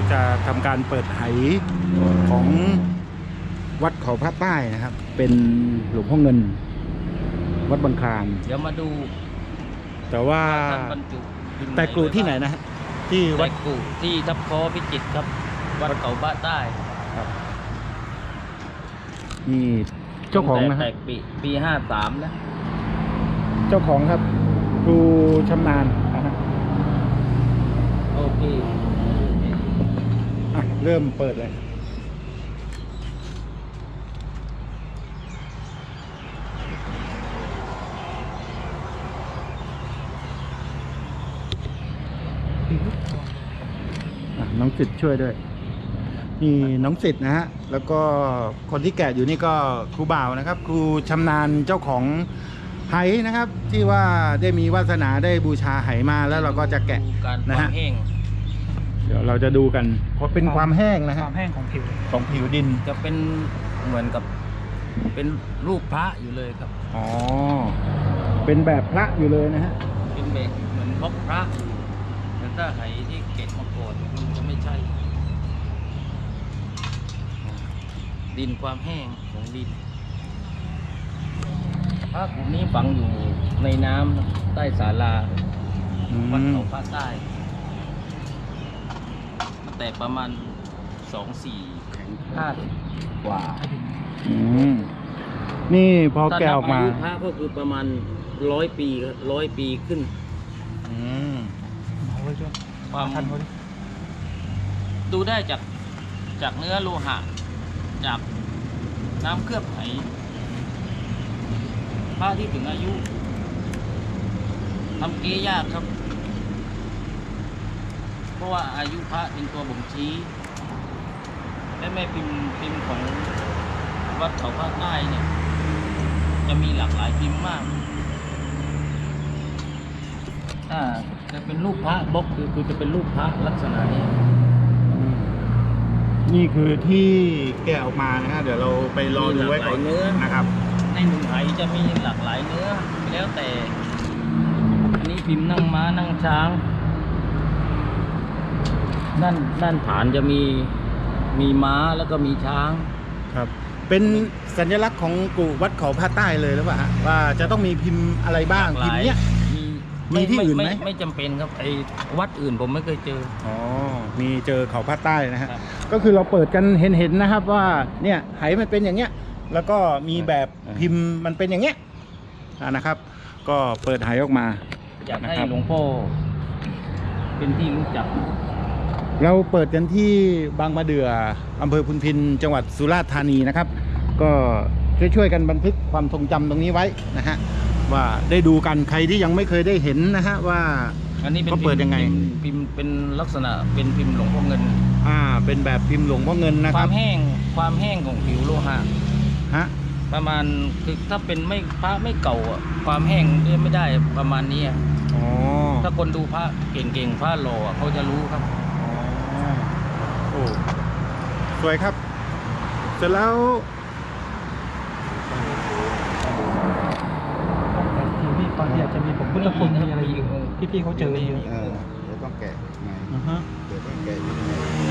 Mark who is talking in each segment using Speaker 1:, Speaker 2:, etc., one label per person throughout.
Speaker 1: จะทำการเปิดไหของวัดเขาพระใต้นะครับเป็นหลวงพ่อเงินวัดบางคลาน
Speaker 2: เดี๋ยวมาดู
Speaker 1: แต่ว่า
Speaker 2: ท่านบรรจุพิมพ์
Speaker 1: แต่กรุที่ไหนนะฮะที่วั
Speaker 2: วั
Speaker 1: ด
Speaker 2: ดกุที่ทับคอพิจิตรครับ วัดเขาพระใต้
Speaker 1: นี่เจ้าของนะ
Speaker 2: แต
Speaker 1: ฮะ
Speaker 2: กปี53นะ
Speaker 1: เจ้าของครับครูชำนาญนะฮะ
Speaker 2: โอเค
Speaker 1: อ่ะเริ่มเปิดเลยน้องสิทธิ์ช่วยด้วยนี่น้องสิทธิ์นะฮะแล้วก็คนที่แกะอยู่นี่ก็ครูบ่าวนะครับ ครูชำนาญเจ้าของไหนะครับ ที่ว่าได้มีวาสนาได้บูชาไหมาแล้วเราก็จะแกะ
Speaker 2: ดูการ
Speaker 1: นะ
Speaker 2: ควา
Speaker 1: ฮะ
Speaker 2: มแห้ง
Speaker 1: เดี๋ยวเราจะดูกันเพราะเป็นความแห้งนะ
Speaker 3: ค
Speaker 1: ฮะ
Speaker 3: วามแห้งของผิว
Speaker 1: ของผิวดิน
Speaker 2: จะเป็นเหมือนกับเป็นรูปพระอยู่เลยครับ
Speaker 1: อ๋อเป็นแบบพระอยู่เลยนะฮะ
Speaker 2: เป็นแบบเหมือนพบพระแต่ถ้าไหที่เก็บมาก่อนมันจะไม่ใช่ ดินความแห้งของดินพระกลุ่มนี้ฝังอยู่ในน้ำใต้ศาลาวัดเขาพระใต้แต่ประมาณ2-4-5กว่า
Speaker 1: อืมนี่พอแกะออกมา
Speaker 2: ถ้นับอายุพระก็คือประมาณ100 ปีครับ100 ปีขึ้น
Speaker 1: อืม
Speaker 3: เอาไว้ช่วย
Speaker 2: ความ
Speaker 3: ทันเขาดิ
Speaker 2: ดูได้จากเนื้อโลหะ จากน้ำเคลือบไหพระที่ถึงอายุทำเก๊ยากครับ เพราะว่าอายุพระเป็นตัวบ่งชี้ และแม่พิมพ์ของวัดเขาพระใต้เนี่ย จะมีหลากหลายพิมพ์มากจะเป็นรูปพระบล็อกคือจะเป็นรูปพระลักษณะนี้
Speaker 1: นี่คือที่แกะออกมานะฮะเดี๋ยวเราไปรอดูไว้ก่อน
Speaker 2: มีหลากหลายเนื้อ
Speaker 1: นะครับ
Speaker 2: ในหนึ่งไหจะมีหลากหลายเนื้อ แล้วแต่ อันนี้พิมพ์นั่งม้านั่งช้าง ด้านฐานจะมีม้าแล้วก็มีช้าง
Speaker 1: ครับ เป็นสัญลักษณ์ของกลุ่มวัดเขาพระใต้เลยหรือเปล่าฮะว่าจะต้องมีพิมพ์อะไรบ้าง
Speaker 2: หลากห
Speaker 1: พิม
Speaker 2: ลาย
Speaker 1: พ์เนี้ย มีที่อื่นไหม
Speaker 2: ไม่จำเป็นครับไอ้วัดอื่นผมไม่เคยเจอ
Speaker 1: อ๋อมีเจอเขาพระใต้นะฮะ
Speaker 2: ครับ
Speaker 1: ก็คือเราเปิดกันเห็นนะครับว่าเนี่ยไหมันเป็นอย่างเงี้ยแล้วก็มีแบบพิมพ์มันเป็นอย่างเงี้ยนะครับ ก็เปิดไหออกมา
Speaker 2: อยากให้
Speaker 1: นะครับ
Speaker 2: หลวงพ่อเป็นที่รู้จัก
Speaker 1: เราเปิดกันที่บางมะเดื่ออำเภอพุนพินจังหวัดสุราษฎร์ธานีนะครับ ก็ช่วยๆกันบันทึกความทรงจำตรงนี้ไว้นะฮะว่าได้ดูกันใครที่ยังไม่เคยได้เห็นนะฮะว่า
Speaker 2: อันนี้เป็น
Speaker 1: เขาเปิดยังไง
Speaker 2: พิมพ์เป็นลักษณะเป็นพิมพ์หลวงพ่อเงิน
Speaker 1: เป็นแบบพิมพ์หลวงพ่อเงินนะ
Speaker 2: ค
Speaker 1: ครั
Speaker 2: วา
Speaker 1: บ
Speaker 2: มแห้งของผิวโลหะ
Speaker 1: ฮะ
Speaker 2: ประมาณคือถ้าเป็นไม่พระไม่เก่าอะความแห้งไม่ได้ประมาณนี้อะ
Speaker 1: อ๋อ
Speaker 2: ถ้าคนดูพระเก่งๆพระหล่ออะเขาจะรู้ครับ
Speaker 1: โอ้สวยครับ เสร็จแล้ว
Speaker 3: ผิวนี่บางทีอาจจะมีผมพุทธคุณมีอะไรอยู่ที่พี่เขาเจอเยอะ
Speaker 4: เดี๋ยวต้องแกะใหม่
Speaker 1: อือฮะ
Speaker 4: เดี๋ยวต้องแกะอยู่ใน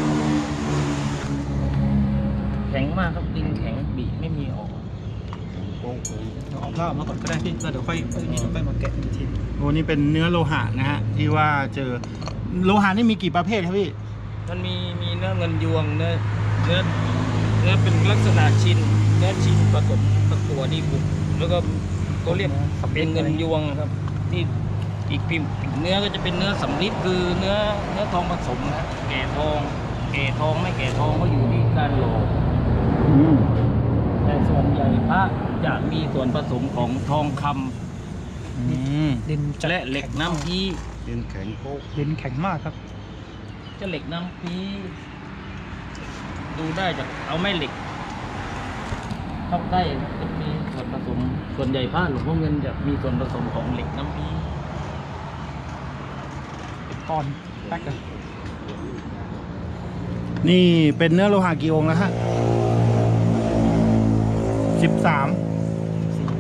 Speaker 2: แข็งมากครับดินแข็งบีไม่มีออก
Speaker 4: โป้งโค้ง
Speaker 3: เอาผ้าออกมาก่อนก็ได้พี่แล้วเดี๋ยวค่อยมาแกะอีกที
Speaker 1: โอ้นี่เป็นเนื้อโลหะนะฮะที่ว่าเจอโลหะนี่มีกี่ประเภทครับพี่
Speaker 2: มันมีเนื้อเงินยวงเนื้อเป็นลักษณะชิ้นเนื้อชิ้นผสมกับตัวดีบุกแล้วก็เขาเรียกเป็นเงินยวงครับที่อีกพิมพ์เนื้อก็จะเป็นเนื้อสำลิดคือเนื้อทองผสมนะแก่ทองไม่แก่ทองก็อยู่ที่การหล่อแต่ส่วนใหญ่พระจะมีส่วนผสมของทองคำ
Speaker 3: ดินจะ
Speaker 2: และเหล็กน้ำพี
Speaker 4: ดินแข็งโป๊ก
Speaker 3: ดินแข็งมากครับ
Speaker 2: จะเหล็กน้ำพีดูได้จากเอาแม่เหล็กเข้าใกล้จะมีส่วนผสมส่วนใหญ่ผ้าหลวงพ่อเงินจะมีส่วนผสมของเหล็กน้ำพี
Speaker 3: ก้อนแป๊กเลย
Speaker 1: นี่เป็นเนื้อโลหะกี่องค์แล้วฮะ13
Speaker 3: สีไหม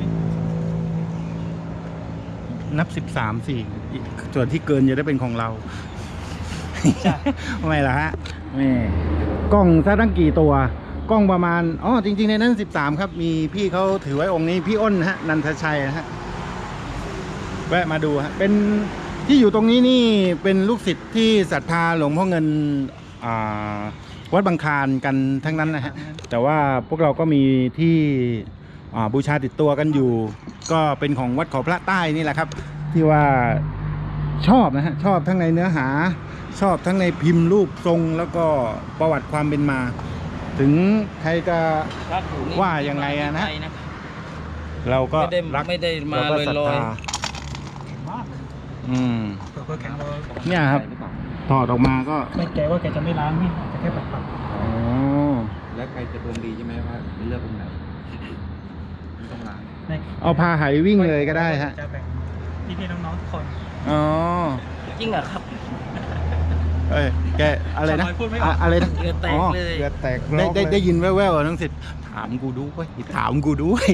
Speaker 1: นับ13สิส่วนที่เกินจะได้เป็นของเรา
Speaker 3: ใช่
Speaker 1: ทำไมล่ะฮะ
Speaker 2: ม
Speaker 1: นี่กล้องซะตั้งกี่ตัวกล้องประมาณอ๋อจริงๆในนั้น13ครับมีพี่เขาถือไว้องค์นี้พี่อ้นฮะนันทชัยฮะแวะมาดูฮะเป็นที่อยู่ตรงนี้นี่เป็นลูกศิษย์ที่ศรัทธาหลวงพ่อเงินวัดบางคลานกันทั้งนั้นนะฮะแต่ว่าพวกเราก็มีที่บูชาติดตัวกันอยู่ก็เป็นของวัดเขาพระใต้นี่แหละครับที่ว่าชอบนะฮะชอบทั้งในเนื้อหาชอบทั้งในพิมพ์รูปทรงแล้วก็ประวัติความเป็นมา ถึงใครจะว่ายังไงอะนะเราก็รัก
Speaker 2: ไม่ได้มา
Speaker 1: เราก็ศรัท
Speaker 2: ลอย
Speaker 1: ธา
Speaker 3: มาก เพื่อแข็งเรา
Speaker 1: เนี่ยครับถอดออกมาก็
Speaker 3: ไม่แกว่าแกจะไม่ล้างพี่จะแค่ปัด
Speaker 1: อ๋อ
Speaker 4: แล้วใครจะดวงดีใช่ไหมว่าเลือกองค์ไหนไม่ต้องล้าง
Speaker 3: ๆใน
Speaker 1: เอาพาไหวิ่งเลยก็ได้ฮะ
Speaker 3: จะแบ่งพี่ๆน้องๆทุกคน
Speaker 1: อ๋อ
Speaker 2: จริงเหรอครับ
Speaker 1: เอ้ยแกอะไรนะ
Speaker 3: ทำไมพูดไม่ออก
Speaker 1: อะไรนะ
Speaker 2: เรือแตกเลย
Speaker 4: เลือดแตก
Speaker 1: ได้ยินแว่วๆน้องสิทธิ์ถามกูด้วยถามกูด้วย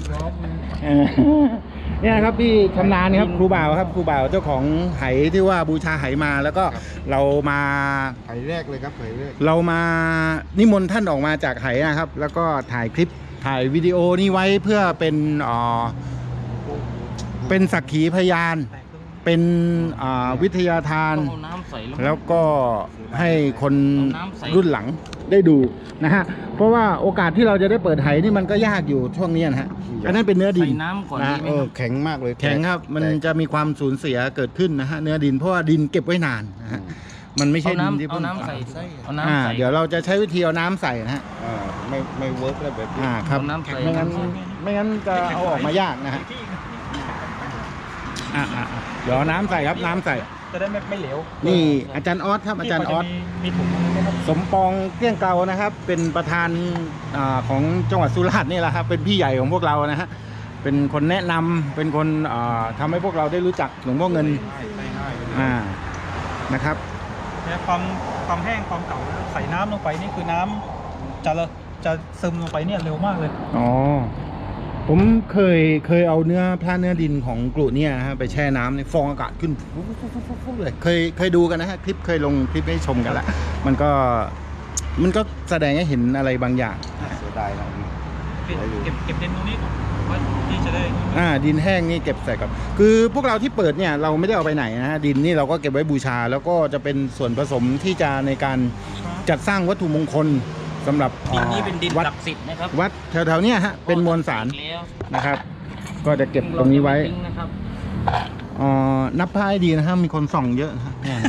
Speaker 1: เนี่ยครับพี่ชำนาญครับครูบ่าวครับครูบ่าวเจ้าของไหที่ว่าบูชาไหมาแล้วก็เรามา
Speaker 4: ไผ่แรกเลยครับไผ่แรก
Speaker 1: เรามานิมนต์ท่านออกมาจากไหนะครับ แล้วก็ถ่ายคลิปถ่ายวิดีโอนี้ไว้เพื่อเป็นสักขีพยาน
Speaker 3: แตกตรง
Speaker 1: เป็นวิทยาทาน
Speaker 2: ต้องเอาน้ำใส่
Speaker 1: แล้วก็ให้คน
Speaker 2: เอาน้ำใส่
Speaker 1: รุ่นหลังได้ดูนะฮะเพราะว่าโอกาสที่เราจะได้เปิดไหนี่มันก็ยากอยู่ช่วงนี้นะฮะอันนั้นเป็นเนื้อดิน
Speaker 2: ใส่น้ำก่อน
Speaker 1: นะ
Speaker 2: ดีไหม
Speaker 4: แข็งมากเลย
Speaker 1: แข็งครับมัน
Speaker 4: แตก
Speaker 1: จะมีความสูญเสียเกิดขึ้นนะฮะเนื้อดินเพราะว่าดินเก็บไว้นานนะฮะมันไม่ใช่ดินที่
Speaker 2: เอา
Speaker 1: เพิ่ง
Speaker 2: น้ำใส่เอาน้ำใส่
Speaker 1: เดี๋ยวเราจะใช้วิธีเอาน้ำใส่นะฮะ
Speaker 4: ไม่เวิร์กแล้วแบบนี้
Speaker 1: ครับ
Speaker 2: เอาน้ำใส่
Speaker 1: ไม่งั้นจะเอาออกมายากนะฮะเดี๋ยวเอาน้ำใส่ครับน้ำใส่
Speaker 3: จะได้ไม่เหลว
Speaker 1: นี่อาจารย์ออสครับอาจารย์ออส
Speaker 3: มีถุงอะไรไหมครับ
Speaker 1: สมปองเกลี้ยงเกลานะครับ เป็นประธานของจังหวัดสุราษฎร์นี่แหละครับเป็นพี่ใหญ่ของพวกเรานะฮะเป็นคนแนะนำเป็นคนทำให้พวกเราได้รู้จักหลวงพ่อเงินนะครับ
Speaker 3: เนี่ยความแห้งความเก่าใส่น้ำลงไปนี่คือน้ำจะซึมลงไปเนี่ยเร็วมากเลย
Speaker 1: อ๋อผมเคยเอาเนื้อดินของกลุ่เนี่ยนะฮะไปแช่น้ำในฟองอากาศขึ้นฟุ๊บเลยเคยดูกันนะฮะคลิปเคยลงคลิปให้ชมกันละมันก็แสดงให้เห็นอะไรบางอย่าง
Speaker 4: เสียดายนะ
Speaker 3: เก็บดินตรงนี้ก่อนว่าที่จะได้
Speaker 1: ดินแห้งนี่เก็บใส่กับคือพวกเราที่เปิดเนี่ยเราไม่ได้เอาไปไหนนะฮะดินนี่เราก็เก็บไว้บูชา แล้วก็จะเป็นส่วนผสมที่จะในการจัดสร้างวัตถุมงคลสำหรับ
Speaker 2: ดินนี้เป็นดิน
Speaker 1: วัด
Speaker 2: ศักดิ์สิทธิ์นะครับ
Speaker 1: วัดแถวๆเนี้ยฮะเป็นมวลสาร
Speaker 2: แล้ว
Speaker 1: นะครับ ก็จะเก็บตรงนี้ไว้
Speaker 2: นะครับ
Speaker 1: นับผ้าให้ดีนะครับมีคนส่องเยอะนะฮะเนี่ย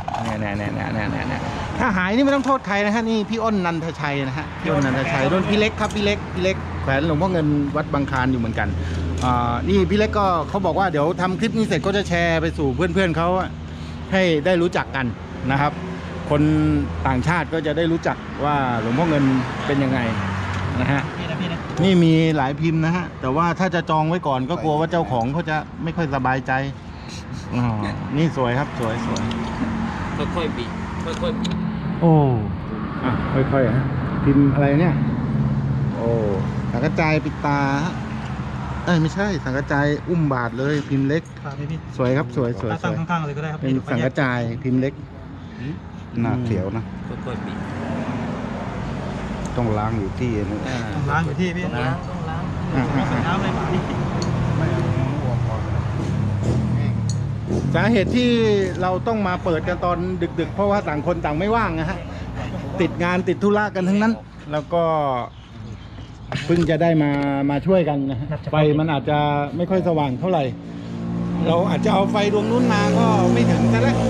Speaker 1: ถ้าหายนี่ไม่ต้องโทษใครนะฮะนี่พี่อ้นนันทชัยนะฮะพี่อ้นนันทชัยรุ่นพี่เล็กครับพี่เล็กแขวนหลวงพ่อเงินวัดบางคลานอยู่เหมือนกันนี่พี่เล็กก็เขาบอกว่าเดี๋ยวทำคลิปนี้เสร็จก็จะแชร์ไปสู่เพื่อนๆเขาให้ได้รู้จักกันนะครับ คนต่างชาติก็จะได้รู้จักว่าหลวงพ่อเงินเป็นยังไงนะฮะ
Speaker 3: พี่นะ
Speaker 1: นี่มีหลายพิมพ์นะฮะแต่ว่าถ้าจะจองไว้ก่อนก็กลัวว่าเจ้าของเขาจะไม่ค่อยสบายใจนี่สวยครับสวย
Speaker 2: ค่อยๆบีบค่อยๆบีบ
Speaker 1: โอ้ค่อยๆฮะพิมพ์อะไรเนี่ยโอ้สังกระจายปิดตาฮะไม่ใช่สังกระจายอุ้มบาทเลยพิมพ์เล็ก
Speaker 3: ฝากพี่
Speaker 1: สวยครับสวย
Speaker 3: ตั้งข้างๆเลยก็ได้ครับ
Speaker 1: เป็นสังกระจายพิมพ์เล็ก
Speaker 4: หน้าเขียวนะ
Speaker 2: ค่อยๆบีบ
Speaker 4: ต้องล้างอยู่ที่นี่
Speaker 3: ต้องล้างอยู่ที่พี่
Speaker 2: ต้องล้าง
Speaker 3: ใส่น้ำเลยป่ะพี่
Speaker 1: สาเหตุที่เราต้องมาเปิดกันตอนดึกๆเพราะว่าต่างคนต่างไม่ว่างนะฮะติดงานติดธุระกันทั้งนั้น แล้วก็เพิ่งจะได้มาช่วยกันนะฮะไฟมันอาจจะไม่ค่อยสว่างเท่าไหร่ เราอาจจะเอาไฟดวงนู้นมาก็ไม่ถึงซะแล้ว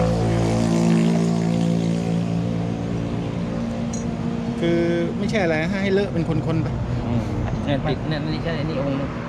Speaker 1: คือไม่ใช่อะไรให้เลอะเป็นคนๆไป
Speaker 2: เนี่ยติดเนี่ยนี่ใช่นี่องค์นึง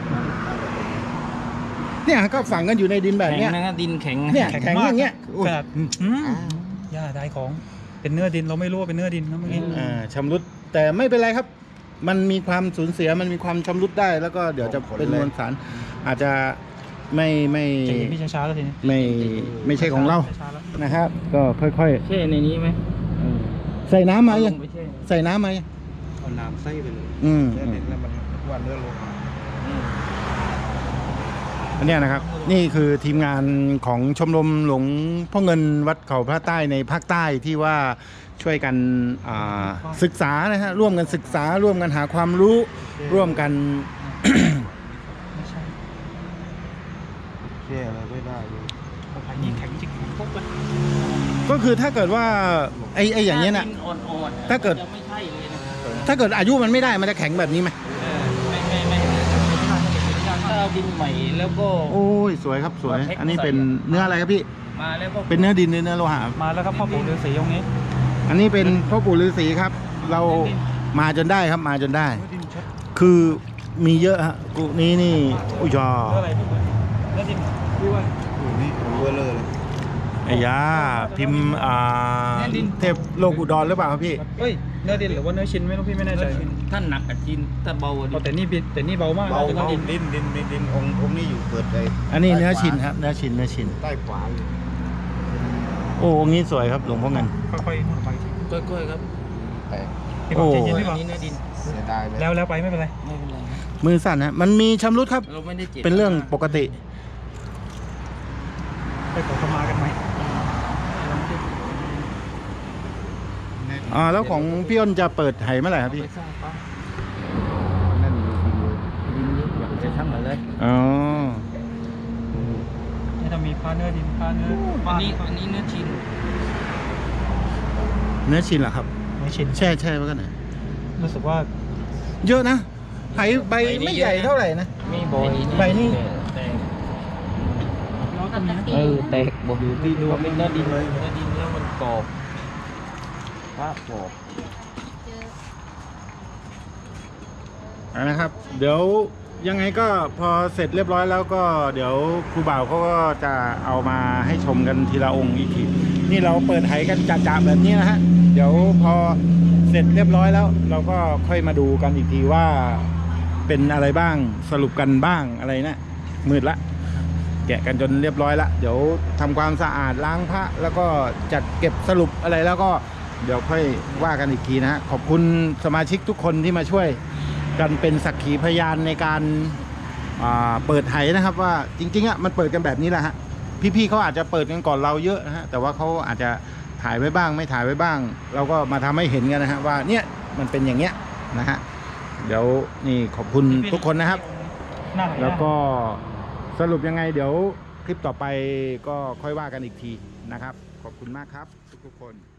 Speaker 1: เนี่ยก็ฝังกันอยู่ในดินแบบ
Speaker 2: แข็ง
Speaker 1: เนี้ย
Speaker 2: นะครับดินแข็ง
Speaker 1: เนี่ยแข็งอย่างเงี้ย
Speaker 3: ขนาดย่าได้ของเป็นเนื้อดินเราไม่รู้ว่าเป็นเนื้อดินนะเมื่อกี้
Speaker 1: ชำรุดแต่ไม่เป็นไรครับ มันมีความสูญเสียมันมีความชำรุดได้ แล้วก็เดี๋ยวจะเป็นมวลสารอาจจะไม่
Speaker 3: จะเห็นพี่ช้าๆแล้วทีนี้
Speaker 1: ไม่ใช่ของเรา
Speaker 3: ช้าๆแล้ว
Speaker 1: นะครับ ก็ค่อย
Speaker 2: แช่ในนี้ไหม
Speaker 1: ๆใส่น้ำมายัง
Speaker 2: เอาลงไปแช่
Speaker 1: ใส่น้ำมายัง
Speaker 4: เอาน้ำใส่ไปเลย
Speaker 1: อืม
Speaker 4: แล้วมันวันเลือดลง
Speaker 1: อันเนี้ยนะครับนี่คือทีมงานของชมรมหลวงพ่อเงินวัดเขาพระใต้ในภาคใต้ที่ว่าช่วยกันศึกษานะฮะร่วมกันศึกษาร่วมกันหาความรู้ร่วมกัน
Speaker 3: ไม่ใช่
Speaker 4: แช่อะไรไม่ได้เลย
Speaker 3: อันนี้แข็งจริงปุ๊บเลย
Speaker 1: ก็คือถ้าเกิดว่าไอ้อย่างเงี้ยน่ะ
Speaker 2: ดิอ่อนๆ
Speaker 1: ถ้าเกิด
Speaker 2: จะไม่ใช่เลยนะ
Speaker 1: ถ้าเกิดอายุมันไม่ได้มันจะแข็งแบบนี้ไหม
Speaker 2: ไม่ถ้าเอาดินใหม่แล้วก็
Speaker 1: โอ้ยสวยครับสวย อันนี้เป็นเนื้ออะไรครับพี่
Speaker 2: มาแล้วก็
Speaker 1: เป็นเนื้อดินหรือเนื้อโลหะ
Speaker 3: มาแล้วครับพ่อปู่ฤาษีองค์นี้
Speaker 1: อันนี้เป็นพ่อปู่ฤาษีครับ เรามาจนได้ครับมาจนได้
Speaker 3: เนื้อดินชัด
Speaker 1: คือมีเยอะฮะกูนี้นี่อุ้ยจอ
Speaker 3: เนื้ออะไรพี่เนื้อดินพี่ว่า
Speaker 4: นี่เวอร์เลอร์เลย
Speaker 1: ไอ้ยาพิมพ์เทพโลกอุดรหรือเปล่าครับพี่
Speaker 3: เฮ้ยเนื้อดินหรือว่าเนื้อชิ้นไม่รู้พี่ไม่แน่ใจ
Speaker 2: ท่านหนักกับจินถ้าเบา
Speaker 3: อ๋อแต่นี่เบามาก
Speaker 4: เบา
Speaker 3: แต่ก็
Speaker 4: เบา
Speaker 3: ดิน
Speaker 4: ดินองค์นี้อยู่เปิดเลย
Speaker 1: อันนี้เนื้อชิ้นครับเนื้อชิ้น
Speaker 4: ใต้ขวาอยู่
Speaker 1: โอ้องค์นี้สวยครับหลวงพ่อเงิน
Speaker 3: ค่อยๆพูดไป
Speaker 2: ค่อยๆครับ
Speaker 4: แต่
Speaker 3: พี่บอกใจเย็น
Speaker 2: อั
Speaker 3: พี่บอก
Speaker 2: นนี้เนื้อดิน
Speaker 4: เสียดายเลย
Speaker 3: แล้วไปไม่เป็นไร
Speaker 2: ไม่เป็นไรครับ
Speaker 1: มือสั่นฮะมันมีชำรุดครับ
Speaker 2: เราไม่ได้เจ็บ
Speaker 1: เป็นเรื่องปกติ
Speaker 3: ไปขอขมากันไหม
Speaker 1: แล้วของพี่อ้นจะเปิดไหเมื่อไหร่ครับพี่
Speaker 2: ไปสร้างปั๊ม
Speaker 4: นั่นอยู่ดีเลย
Speaker 2: ดินเยอะอยากจะทำอะไร
Speaker 1: อ๋อ
Speaker 3: นี่จะมีผ้าเนื้อดินผ้าเนื้อ
Speaker 2: อันนี้เนื้อชิ้น
Speaker 1: เนื้อชิ้นเหรอครับ
Speaker 3: ไม่ชิ้น
Speaker 1: แช่ไว้กันหน่อย
Speaker 3: รู้สึกว่า
Speaker 1: เยอะนะไหใบไม่ใหญ่เท่าไหร่นะ
Speaker 2: มีบอย
Speaker 1: ใบนี่
Speaker 2: แตก
Speaker 3: เราจะมี
Speaker 2: แตกบอกอยู่ที่ดูเป็นเนื้อดินเลยเนื้อดินแล้วมันกรอบภาพกรอบ
Speaker 1: นะครับ เดี๋ยวยังไงก็พอเสร็จเรียบร้อยแล้วก็เดี๋ยวครูบ่าวเขาก็จะเอามาให้ชมกันทีละองค์อีกทีนี่เราเปิดไหกันจ่าๆแบบนี้นะฮะเดี๋ยวพอเสร็จเรียบร้อยแล้ว เราก็ค่อยมาดูกันอีกทีว่าเป็นอะไรบ้างสรุปกันบ้างอะไรนะมืดละแกะกันจนเรียบร้อยละเดี๋ยวทำความสะอาดล้างพระแล้วก็จัดเก็บสรุปอะไรแล้วก็เดี๋ยวค่อยว่ากันอีกทีนะฮะขอบคุณสมาชิกทุกคนที่มาช่วยกันเป็นสักขีพยานในการเปิดไหนะครับว่าจริงๆอ่ะมันเปิดกันแบบนี้แหละฮะพี่ๆเขาอาจจะเปิดกันก่อนเราเยอะนะฮะแต่ว่าเขาอาจจะถ่ายไว้บ้างไม่ถ่ายไว้บ้าง เราก็มาทำให้เห็นกันนะฮะว่าเนี่ยมันเป็นอย่างเงี้ยนะฮะเดี๋ยวนี่ขอบคุณทุกคนนะครับ
Speaker 3: หน้าไหน
Speaker 1: แล้วก็สรุปยังไงเดี๋ยวคลิปต่อไปก็ค่อยว่ากันอีกทีนะครับขอบคุณมากครับทุกๆคน